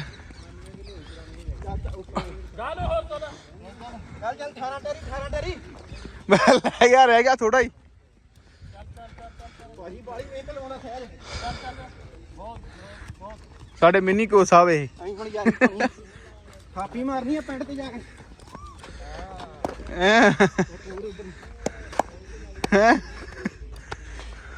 [SPEAKER 1] ਠਾਰਾ ਟਰੀ ਮੈਂ ਰਹਿ ਗਿਆ ਥੋੜਾ ਹੀ। ਸਾਡੇ ਮਿੰਨੀ ਕੋਸ ਆਵੇ। ਅਸੀਂ ਹੁਣ ਜਾ ਕੇ ਥਾਪੀ ਮਾਰਨੀ ਆ ਪਿੰਡ ਤੇ ਜਾ ਕੇ। ਹੈ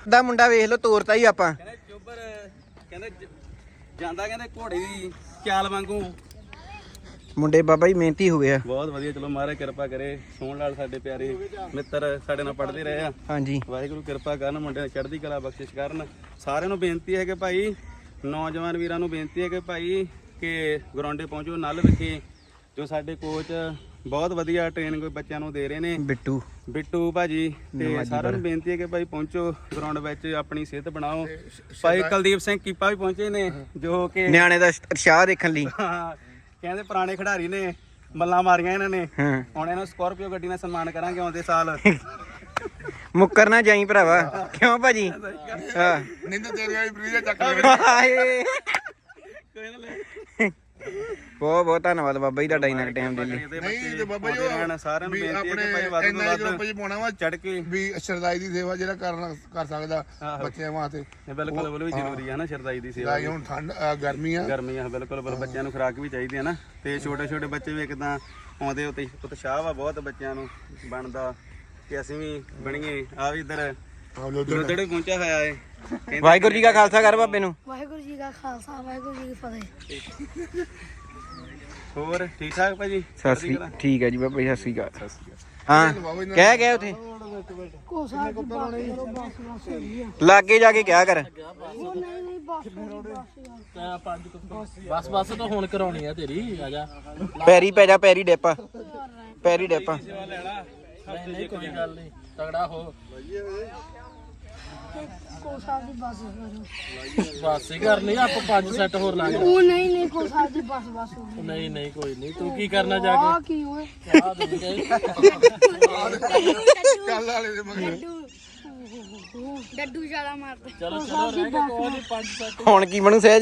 [SPEAKER 1] ਦਾ ਮੁੰਡਾ ਵੇਖ ਲਓ, ਤੋਰਤਾ ਹੀ ਆਪਾਂ।
[SPEAKER 5] ਕਹਿੰਦੇ ਚੋਬਰ ਕਹਿੰਦੇ ਜਾਂਦਾ ਕਹਿੰਦੇ ਘੋੜੇ ਦੀ ਚਾਲ ਵਾਂਗੂ।
[SPEAKER 1] ਮੁੰਡੇ ਬਾਬਾ ਜੀ ਮਿਹਨਤੀ ਹੋ ਗਏ ਆ।
[SPEAKER 5] ਬਹੁਤ ਵਧੀਆ, ਚਲੋ ਮਹਾਰਾਜ ਕਿਰਪਾ ਕਰੇ। ਸੋਹਣ ਲਾਲ ਸਾਡੇ ਪਿਆਰੇ ਮਿੱਤਰ ਸਾਡੇ ਨਾਲ ਪੜ੍ਹਦੇ ਰਹੇ ਆ।
[SPEAKER 1] ਹਾਂਜੀ,
[SPEAKER 5] ਵਾਹਿਗੁਰੂ ਕਿਰਪਾ ਕਰਨ, ਮੁੰਡਿਆਂ ਨੂੰ ਚੜ੍ਹਦੀ ਕਲਾ ਬਖਸ਼ਿਸ਼ ਕਰਨ। ਸਾਰਿਆਂ ਨੂੰ ਬੇਨਤੀ ਹੈ ਕਿ ਭਾਈ, ਨੌਜਵਾਨ ਵੀਰਾਂ ਨੂੰ ਬੇਨਤੀ ਹੈ ਕਿ ਭਾਈ ਕਿ ਗਰਾਊਂਡੇ ਪਹੁੰਚੋ ਨਲ ਵਿਖੇ। ਜੋ ਸਾਡੇ ਕੋਚ ਬਹੁਤ ਵਧੀਆ ਟ੍ਰੇਨਿੰਗ ਬੱਚਿਆਂ ਨੂੰ ਦੇ ਰਹੇ ਨੇ, ਬਿੱਟੂ ਭਾਜੀ, ਤੇ ਸਾਰਿਆਂ ਨੂੰ ਬੇਨਤੀ ਹੈ ਕਿ ਭਾਈ ਪਹੁੰਚੋ ਗਰਾਊਂਡ ਵਿੱਚ, ਆਪਣੀ ਸਿਹਤ ਬਣਾਓ। ਭਾਈ ਕੁਲਦੀਪ ਸਿੰਘ ਕੀਪਾ ਵੀ ਪਹੁੰਚੇ ਨੇ, ਜੋ ਕਿ
[SPEAKER 1] ਨਿਆਣੇ ਦਾ ਉਤਸ਼ਾਹ ਦੇਖਣ ਲਈ।
[SPEAKER 5] ਕਹਿੰਦੇ ਪੁਰਾਣੇ ਖਿਡਾਰੀ ਨੇ, ਮੱਲਾਂ ਮਾਰੀਆਂ ਇਹਨਾਂ ਨੇ।
[SPEAKER 1] ਹਾਂ,
[SPEAKER 5] ਹੁਣ ਇਹਨਾਂ ਸਕਾਰਪੀਓ ਗੱਡੀ ਨਾਲ ਸਨਮਾਨ ਕਰਾਂਗੇ ਆਉਂਦੇ ਸਾਲ।
[SPEAKER 1] ਮੁੱਕਰ ਨਾ ਜਾਈ ਭਰਾਵਾ, ਕਿਉਂ ਭਾਜੀ? ਹਾਂ,
[SPEAKER 4] ਨਿੰਦ ਤੇਰੇ ਵਾਲੀ ਪ੍ਰੀਜਾ ਚੱਕ
[SPEAKER 1] ਹਾਏ। ਬਹੁਤ ਬਹੁਤ ਧੰਨਵਾਦ ਬਾਬਾ ਜੀ ਤੁਹਾਡਾ ਇੰਨਾ ਟਾਈਮ ਦੇ ਲਈ।
[SPEAKER 4] ਨਹੀਂ ਤੇ ਬਾਬਾ ਜੀ
[SPEAKER 5] ਸਾਰਿਆਂ ਨੂੰ ਬੇਨਤੀ ਹੈ ਕਿ ਭਾਈ ਵੱਧ ਤੋਂ ਵੱਧ
[SPEAKER 4] ਪਾਉਣਾ ਵਾ
[SPEAKER 5] ਚੜ ਕੇ
[SPEAKER 4] ਵੀ ਸ਼ਰਦਾਈ ਦੀ ਸੇਵਾ ਜਿਹੜਾ ਕਰ ਸਕਦਾ ਬੱਚਿਆਂ ਵਾਸਤੇ।
[SPEAKER 5] ਬਿਲਕੁਲ ਉਹ ਵੀ ਜ਼ਰੂਰੀ ਹੈ ਨਾ, ਸ਼ਰਦਾਈ ਦੀ ਸੇਵਾ।
[SPEAKER 4] ਹੁਣ ਠੰਡ ਗਰਮੀ ਆ,
[SPEAKER 5] ਬਿਲਕੁਲ ਬੱਚਿਆਂ ਨੂੰ ਖੁਰਾਕ ਵੀ ਚਾਹੀਦੀ ਹੈ ਨਾ। ਤੇ ਛੋਟੇ ਛੋਟੇ ਬੱਚੇ ਵੀ ਇੱਕਦਾਂ ਆਉਂਦੇ ਉੱਤੇ ਉਤਸ਼ਾਹ ਵਾ ਬਹੁਤ ਬੱਚਿਆਂ ਨੂੰ ਬਣਦਾ ਕਿ ਅਸੀਂ ਵੀ ਬਣੀਏ। ਆ ਵੀ ਇੱਧਰ ਲੁੱਦੜੇ ਪਹੁੰਚਿਆ ਹੋਇਆ ਹੈ।
[SPEAKER 1] ਵਾਹਿਗੁਰੂ ਜੀ ਕਾ ਖਾਲਸਾ ਕਰ ਬਾਬੇ ਨੂੰ।
[SPEAKER 2] ਵਾਹਿਗੁਰੂ ਜੀ ਕਾ ਖਾਲਸਾ, ਵਾਹਿਗੁਰੂ ਜੀ ਕੀ ਫਤਿਹ।
[SPEAKER 5] ਹੋਰ ਠੀਕ ਠਾਕ ਭਾਜੀ?
[SPEAKER 1] ਠੀਕ ਹੈ ਜੀ ਬਾਬਾ ਜੀ, ਸਤਿ ਸ਼੍ਰੀ ਅਕਾਲ। ਹਾਂ, ਕਹਿ ਗਏ ਉਥੇ
[SPEAKER 2] ਕੋਸਾ ਦੀ ਬਾਤ ਕਰੋ, ਬਸ ਬਸ ਹੋਈ ਆ।
[SPEAKER 1] ਲਾਗੇ ਜਾ ਕੇ ਕਿਹਾ ਕਰ।
[SPEAKER 2] ਉਹ ਨਹੀਂ ਨਹੀਂ ਬਸ
[SPEAKER 3] ਬਸ ਬਸ ਤਾਂ ਹੁਣ ਕਰਾਉਣੀ ਆ ਤੇਰੀ। ਆ ਜਾ,
[SPEAKER 1] ਪੈਰੀ ਪੈ ਜਾ, ਪੈਰੀ ਡਿੱਪ, ਪੈਰੀ ਡਿੱਪ।
[SPEAKER 3] ਨਹੀਂ ਕੋਈ ਗੱਲ ਨਹੀਂ, ਤਗੜਾ ਹੋ।
[SPEAKER 2] ਕੋਸਾ ਦੀ ਬਸ ਕਰੋ।
[SPEAKER 3] ਬਸ ਹੀ ਕਰਨੀ ਆ ਆਪਾਂ, 5 ਸੈੱਟ ਹੋਰ ਲਾ ਗਏ।
[SPEAKER 2] ਉਹ ਨਹੀਂ ਨਹੀਂ ਕੋਸਾ ਦੀ ਬਸ ਬਸ ਹੋ ਗਈ।
[SPEAKER 3] ਨਹੀਂ ਨਹੀਂ ਕੋਈ ਨਹੀਂ, ਤੂੰ ਕੀ ਕਰਨਾ ਜਾ
[SPEAKER 2] ਆ
[SPEAKER 3] ਕੇ?
[SPEAKER 2] ਕੀ ਓਏ?
[SPEAKER 3] ਆ ਦੇ ਗਏ
[SPEAKER 4] ਚੱਲ ਵਾਲੇ ਦੇ ਮਗਰ
[SPEAKER 2] ਡੱਡੂ ਛਾਲਾ ਮਾਰਦਾ।
[SPEAKER 3] ਚਲੋ ਚਲੋ, ਰਹਿ ਗਏ ਕੋਈ ਨਹੀਂ, 5 ਸੈੱਟ।
[SPEAKER 1] ਹੁਣ ਕੀ ਬਣੂ ਸਹਿਜ?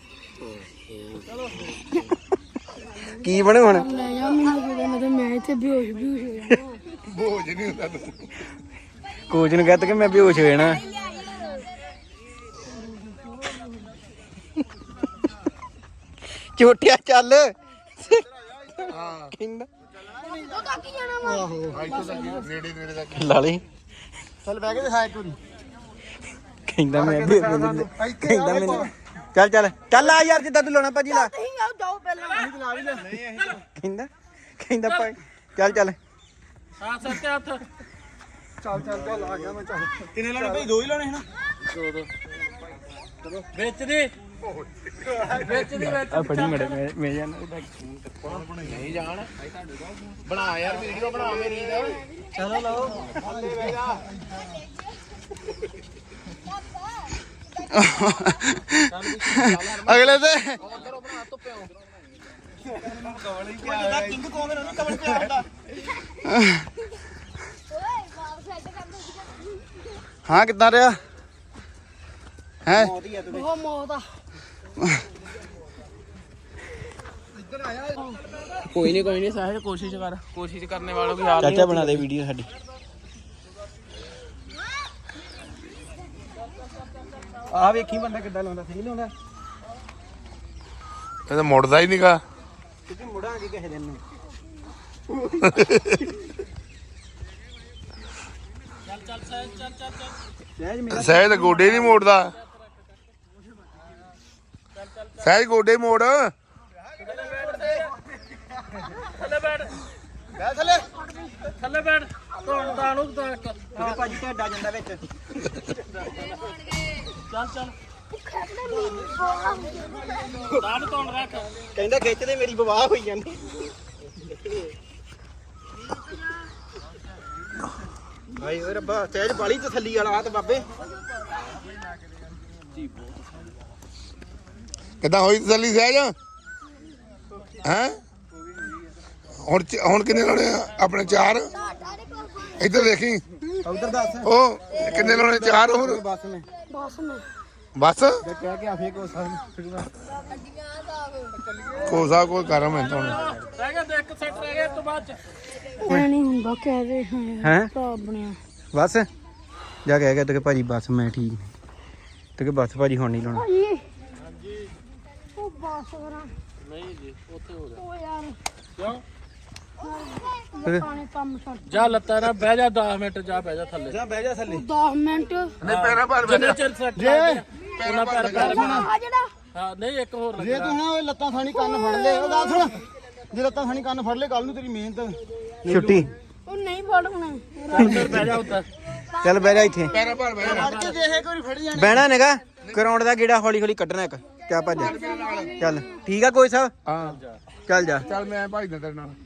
[SPEAKER 1] ਕੀ ਬਣੂ ਹੁਣ?
[SPEAKER 2] ਲੈ ਜਾ ਮੈਨੂੰ ਕਿਤੇ, ਮੈਂ ਇੱਥੇ ਬੇਹੋਸ਼ ਹੋ ਜਾਣਾ।
[SPEAKER 4] ਬੋਝ ਨਹੀਂ ਹੁੰਦਾ ਤੂੰ।
[SPEAKER 1] ਕੋਚ ਨੂੰ ਕਹਿ ਤਾ ਕਿ ਮੈਂ ਬੇਹੋਸ਼ ਹੋ ਜਾਣਾ। ਝੋਟਿਆ ਚੱਲ।
[SPEAKER 4] ਹਾਂ
[SPEAKER 1] ਕਹਿੰਦਾ
[SPEAKER 2] ਉਹ ਤਾਂ ਕੀ ਜਾਣਾ ਵਾ?
[SPEAKER 4] ਆਹੋ ਇੱਥੇ ਤੱਕ ਨੇੜੇ ਨੇੜੇ ਤੱਕ
[SPEAKER 1] ਲਾ ਲਈ।
[SPEAKER 4] ਚੱਲ ਬਹਿ ਕੇ ਦਿਖਾ ਇੱਕ ਵਾਰੀ।
[SPEAKER 1] ਕਹਿੰਦਾ ਮੈਨੂੰ ਚੱਲ ਚੱਲ ਚੱਲ ਆ ਯਾਰ, ਜਿੱਦਾਂ ਤੂੰ ਲਾਉਣਾ ਭਾਜੀ ਲਾ।
[SPEAKER 2] ਨਹੀਂ ਆਓ ਜਾਓ ਪਹਿਲਾਂ।
[SPEAKER 1] ਕਹਿੰਦਾ ਭਾਈ ਚੱਲ ਚੱਲ।
[SPEAKER 3] ਹਾਂ ਸੱਤੇ ਹੱਥ।
[SPEAKER 4] ਚੱਲ ਆ ਗਿਆ ਮੈਂ। ਚੱਲ
[SPEAKER 5] ਕਿੰਨੇ ਲਾਉਣੇ ਭਾਈ? 2 ਹੀ ਲਾਉਣੇ ਹਨ।
[SPEAKER 3] ਵਿੱਚ ਦੀ ਵਿੱਚ ਦੀ ਵਿੱਚ
[SPEAKER 1] ਆ ਫੜੀ ਮੜੇ ਮੈਂ ਜਾਣਾ।
[SPEAKER 3] ਨਹੀਂ ਜਾਣ ਬਣਾ ਯਾਰ, ਵੀਡੀਓ ਬਣਾ ਮੇਰੀ ਦਾ। ਚਲੋ ਲਓ
[SPEAKER 4] ਅਗਲੇ ਤੇ
[SPEAKER 3] ਉਧਰੋਂ ਬਣਾ ਧੁੱਪਿਓ।
[SPEAKER 5] ਕਿੰਗ ਕੋਂਗ ਨੇ ਕਵਲ ਪਿਆ ਹੁੰਦਾ।
[SPEAKER 4] ਹਾਂ ਕਿੱਦਾਂ ਰਿਹਾ ਹੈ?
[SPEAKER 2] ਉਹ ਮੌਤ ਆ।
[SPEAKER 3] ਕੋਈ ਨਹੀਂ ਸਾਹਿਲ, ਕੋਸ਼ਿਸ਼ ਕਰ, ਕੋਸ਼ਿਸ਼ ਕਰਨੇ ਵਾਲੋਂ की हार
[SPEAKER 1] ਚਾਚਾ ਬਣਾ ਦੇ ਵੀਡੀਓ ਸਾਡੀ।
[SPEAKER 5] ਆ ਵੇਖੀ ਬੰਦਾ ਕਿੱਦਾਂ ਲਾਉਂਦਾ, ਸਹੀ ਲਾਉਂਦਾ।
[SPEAKER 4] ਇਹ ਤਾਂ ਮੁੜਦਾ ਹੀ ਨਹੀਂਗਾ।
[SPEAKER 5] ਕਿਉਂਕਿ ਮੁੜਾਂਗੇ ਕਿਸੇ ਦਿਨ ਨੂੰ।
[SPEAKER 3] ਚੱਲ ਚੱਲ
[SPEAKER 4] ਸਹਿਜ ਤਾਂ ਗੋਡੇ ਨਹੀਂ ਮੋੜਦਾ। ਸਹਿਜ ਗੋਡੇ ਮੋੜ।
[SPEAKER 3] ਥੱਲੇ ਬੈਠ, ਥੱਲੇ ਬੈਠ। ਧੌਣ ਨੂੰ ਤੱਕ
[SPEAKER 5] ਭਾਜੀ ਢੱਡਾ ਜਾਂਦਾ ਵਿੱਚ।
[SPEAKER 3] ਚੱਲ ਚੱਲ, ਦਾੜ ਧੌਣ ਰੱਖ।
[SPEAKER 5] ਕਹਿੰਦਾ ਖਿੱਚਦੇ ਮੇਰੀ ਬਵਾਹ ਹੋਈ ਜਾਂਦੀ। ਭਾਈ ਓਏ ਰੱਬਾ, ਸਹਿਜ ਬਾਲੀ ਤਸੱਲੀ ਵਾਲਾ ਤੇ ਬਾਬੇ।
[SPEAKER 4] ਕਿੱਦਾਂ ਹੋਈ ਤਸੱਲੀ ਸਹਿਜ? ਹੈ ਹੁਣ ਕਿੰਨੇ ਲਾਉਣੇ ਆ ਆਪਣੇ? 4। ਇੱਧਰ ਦੇਖੀ,
[SPEAKER 5] ਉਧਰ ਦੱਸ।
[SPEAKER 4] ਉਹ ਕਿੰਨੇ ਲਾਉਣੇ? 4 ਹੋਰ
[SPEAKER 5] ਬਸ ਨੇ
[SPEAKER 2] ਬਸ ਮੈਂ
[SPEAKER 4] ਬਸ।
[SPEAKER 5] ਕਹਿ ਕੇ ਆਫੇ ਕੋ ਸਾਹ
[SPEAKER 4] ਕੋਸਾ ਕੋਈ ਕਰਮ ਹੈ ਤੁਹਾਨੂੰ।
[SPEAKER 3] ਰਹਿ ਗਿਆ ਤੇ 1 ਸੈੱਟ ਰਹਿ ਗਿਆ, ਇਸ ਤੋਂ ਬਾਅਦ ਚ
[SPEAKER 2] ਐ ਨਹੀਂ ਹੁੰਦਾ, ਕਹਿ ਰਹੇ
[SPEAKER 1] ਹੈਂ?
[SPEAKER 2] ਭਰਾ ਬਣਿਆ।
[SPEAKER 1] ਬਸ ਜਾ ਕੇ ਕਹਿ ਤਾ ਕਿ ਭਾਜੀ ਬਸ ਮੈਂ ਠੀਕ ਨਹੀਂ, ਤੇ ਕਿ ਬਸ ਭਾਜੀ ਹੁਣ ਨਹੀਂ ਲਾਉਣਾ।
[SPEAKER 2] ਉਹ ਬਸ ਕਰਾਂ।
[SPEAKER 3] ਨਹੀਂ ਜੀ, ਉੱਥੇ ਹੋ ਜਾ।
[SPEAKER 2] ਉਹ ਯਾਰ
[SPEAKER 3] ਕਿਉਂ?
[SPEAKER 2] ਪਾਣੀ ਕੰਮ ਛੱਡ
[SPEAKER 3] ਜਾ ਲੱਤਾਂ ਨਾਲ ਬਹਿ ਜਾ 10 ਮਿੰਟ ਜਾ ਬਹਿ ਜਾ ਥੱਲੇ
[SPEAKER 5] ਜਾ ਬਹਿ ਜਾ ਥੱਲੇ
[SPEAKER 2] 10 ਮਿੰਟ
[SPEAKER 3] ਜਿੰਨੇ ਚਿਰ ਸੈੱਟ ਉਹਨਾਂ ਪੈਰ ਪੈਰ
[SPEAKER 2] ਆ ਜਿਹੜਾ
[SPEAKER 3] ਹਾਂ ਨਹੀਂ ਇੱਕ ਹੋਰ
[SPEAKER 4] ਜੇ ਤੂੰ ਨਾ ਓਏ ਲੱਤਾਂ ਥਾਣੀ ਕੰਨ ਫੜ ਲੈ ਉਹ ਗੱਲ ਸੁਣ ਜੇ ਲੱਤਾਂ ਥਾਣੀ ਕੰਨ ਫੜ ਲੈ ਕੱਲ ਨੂੰ ਤੇਰੀ ਮਿਹਨਤ
[SPEAKER 1] ਛੁੱਟੀ
[SPEAKER 2] ਉਹ ਨਹੀਂ ਫੜਨਾ
[SPEAKER 3] ਅੰਦਰ ਬਹਿ ਜਾ ਉੱਧਰ
[SPEAKER 1] ਚੱਲ ਬਹਿ ਜਾ ਇੱਥੇ
[SPEAKER 4] ਫੜ ਕੇ ਜੇ ਇਹ ਕੋਈ ਫੜ ਜਾਣਾ
[SPEAKER 1] ਬਹਿਣਾ ਨੇਗਾ ਗਰਾਊਂਡ ਦਾ ਗੇੜਾ ਹੌਲੀ ਹੌਲੀ ਕੱਢਣਾ ਇੱਕ ਕਿਆ ਭੱਜ ਚੱਲ ਠੀਕ ਆ ਕੋਈ ਸਾਹਿਬ
[SPEAKER 4] ਹਾਂ
[SPEAKER 1] ਚੱਲ ਜਾ
[SPEAKER 4] ਚੱਲ ਮੈਂ ਭਜਦਾ ਤੇਰੇ ਨਾਲ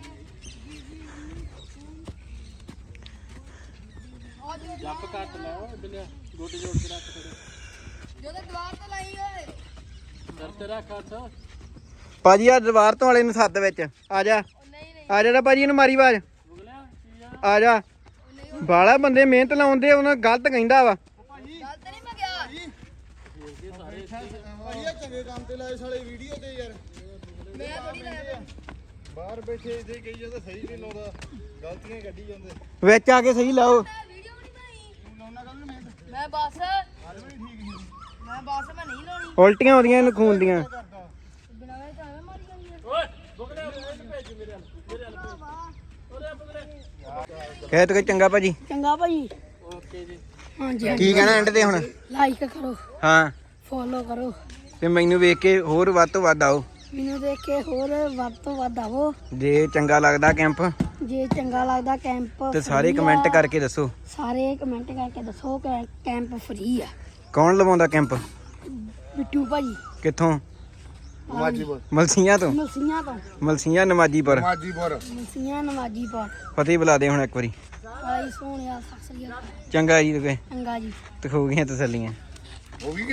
[SPEAKER 3] ਜੱਪ ਕੱਟ ਲੈ ਓਏ ਬਿਲਿਆ ਗੋਡੇ ਜੋੜ ਕੇ ਰੱਖ ਥੋੜੇ
[SPEAKER 2] ਜਦੋਂ ਦਵਾਰ ਤੇ ਲਾਈ ਓਏ
[SPEAKER 3] ਸਿਰ ਤੇ ਰੱਖ ਹੱਥ
[SPEAKER 1] ਭਾਜੀ ਆ ਦੀਵਾਰ ਤੋਂ ਵਾਲੇ ਨੂੰ ਸੱਦ ਵਿੱਚ ਆ ਜਾ ਆ ਜਾ ਭਾਜੀ ਇਹਨੂੰ ਮਾਰੀ ਆਵਾਜ਼ ਆ ਜਾ ਬਾਲਾ ਬੰਦੇ ਮਿਹਨਤ ਲਾਉਂਦੇ ਉਹਨਾਂ ਗਲਤ ਕਹਿੰਦਾ ਵਾ
[SPEAKER 4] ਭਾਈ ਇਹ ਚੰਗੇ ਕੰਮ ਤੇ ਲਾਏ ਸਾਲੇ ਵੀਡੀਓ ਤੇ ਯਾਰ ਮੈਂ ਥੋੜੀ ਲਾਇਆ ਬਾਹਰ ਬੈਠੇ ਇੱਥੇ ਕਹੀ ਜਾਂਦੇ ਸਹੀ ਨਹੀਂ ਲਾਉਂਦਾ ਗਲਤੀਆਂ ਕੱਢੀ ਜਾਂਦੇ
[SPEAKER 1] ਵਿੱਚ ਆ ਕੇ ਸਹੀ ਲਾਓ
[SPEAKER 4] ਤੂੰ ਲਾਉਣਾ ਕੱਲ ਨੂੰ ਮਿਹਨਤ
[SPEAKER 2] ਮੈਂ ਬਸ
[SPEAKER 4] ਹਾਲੇ ਵੀ ਠੀਕ ਸੀ
[SPEAKER 2] ਮੈਂ ਨਹੀਂ ਲਾਉਣੀ
[SPEAKER 1] ਉਲਟੀਆਂ ਆਉਂਦੀਆਂ ਇਹਨੂੰ ਖੂਨ ਦੀਆਂ
[SPEAKER 2] ਬਿਨਾਂ ਵੇ ਤਾਂ ਐਵੇਂ ਮਾਰੀ ਜਾਂਦੀ
[SPEAKER 3] ਓਏ ਬੁਗਲੇ ਉਹਨੂੰ ਭੇਜ ਮੇਰੇ ਹੱਲ ਭੇਜ ਓਰੇ ਬੁਗਲੇ
[SPEAKER 1] ਕਹਿ ਤੋ ਚੰਗਾ ਭਾਜੀ
[SPEAKER 2] ਚੰਗਾ ਭਾਈ
[SPEAKER 3] ਓਕੇ ਜੀ
[SPEAKER 2] ਹਾਂਜੀ
[SPEAKER 1] ਕੀ ਕਹਿਣਾ ਐਂਡ ਤੇ ਹੁਣ
[SPEAKER 2] ਲਾਈਕ ਕਰੋ
[SPEAKER 1] ਹਾਂ
[SPEAKER 2] ਫੋਲੋ ਕਰੋ
[SPEAKER 1] ਤੇ ਮੈਨੂੰ ਵੇਖ ਕੇ ਹੋਰ ਵੱਧ ਤੋਂ ਵੱਧ ਆਓ
[SPEAKER 2] ਮੈਨੂੰ ਦੇਖ ਕੇ ਹੋਰ ਵੱਧ ਤੋਂ ਵੱਧ ਆਵੋ
[SPEAKER 1] ਜੇ ਚੰਗਾ ਲੱਗਦਾ ਕੈਂਪ
[SPEAKER 2] ਜੇ ਚੰਗਾ ਲੱਗਦਾ ਕੈਂਪ
[SPEAKER 1] ਤੇ ਸਾਰੇ
[SPEAKER 2] free
[SPEAKER 1] ਕਮੈਂਟ
[SPEAKER 2] ਆ।
[SPEAKER 1] ਕਰਕੇ ਦੱਸੋ
[SPEAKER 2] ਸਾਰੇ ਕਮੈਂਟ ਕਰਕੇ ਦੱਸੋ ਕਿ ਕੈਂਪ ਫ੍ਰੀ ਆ
[SPEAKER 1] ਕੌਣ ਲਵਾਉਂਦਾ ਕੈਂਪ
[SPEAKER 2] ਬਿੱਟੂ ਭਾਈ
[SPEAKER 1] ਕਿੱਥੋਂ
[SPEAKER 4] ਮਾਜੀਪੁਰ
[SPEAKER 1] ਮਲਸੀਆਂ ਤੋਂ
[SPEAKER 2] ਮਲਸੀਆਂ
[SPEAKER 1] ਨਮਾਜੀਪੁਰ
[SPEAKER 2] ਮਲਸੀਆਂ ਨਮਾਜੀਪੁਰ
[SPEAKER 1] ਫਤਿਹ ਬੁਲਾ ਦੇ ਹੁਣ ਇੱਕ ਵਾਰੀ
[SPEAKER 2] ਆਈ ਸੋਹਣਿਆ ਸਤਿ ਸ੍ਰੀ ਅਕਾਲ
[SPEAKER 1] ਚੰਗਾ ਜੀ ਤੇ
[SPEAKER 2] ਚੰਗਾ ਜੀ
[SPEAKER 1] ਤੇ ਹੋ ਗਈਆਂ ਤਸੱਲੀਆਂ
[SPEAKER 4] ਉਹ ਵੀ